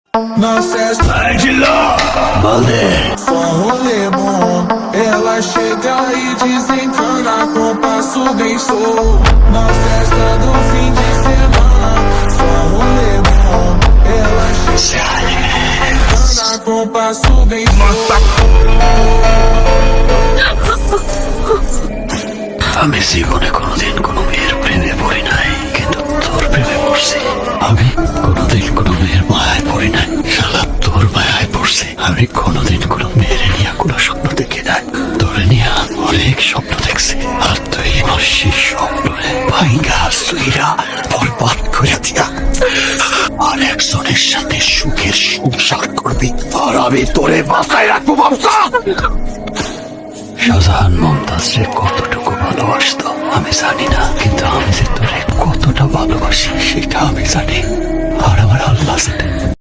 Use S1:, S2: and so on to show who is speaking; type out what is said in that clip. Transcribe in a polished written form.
S1: Só rolê bom. Ela chega e desencana com passo bem solto. Na festa do fim de semana. Só rolê bom. Ela chega e desencana com passo bem solto.
S2: আমি জীবনে কোনোদিন কোনো মেয়ের প্রেমে পড়ি নাই, কিন্তু তোর প্রেমে পড়ছি। আমি কোনোদিন কোনো মেয়ের মায়ায় পড়ি নাই, শালা তোর মায়ায় পড়ছি। আমি কোনোদিন কোনো মেয়ের নিয়ে কোনো স্বপ্ন দেখি নাই, তোরে নিয়ে অনেক স্বপ্ন দেখছি। আর তুই আমার সেই স্বপ্নে ভাইঙ্গা সুইরা বরবাদ করে দিয়া আর একজনের সাথে সুখের সংসার করবি, আর আমি তোরে বাঁচায় রাখবো বাবসা। শাহজাহান মমতাজরে কতটুকু ভালোবাসতো আমি জানি না, কিন্তু আমি যে তোরে কতটা ভালোবাসি সেটা আমি জানি। আর আমার আল্লাহ জানে।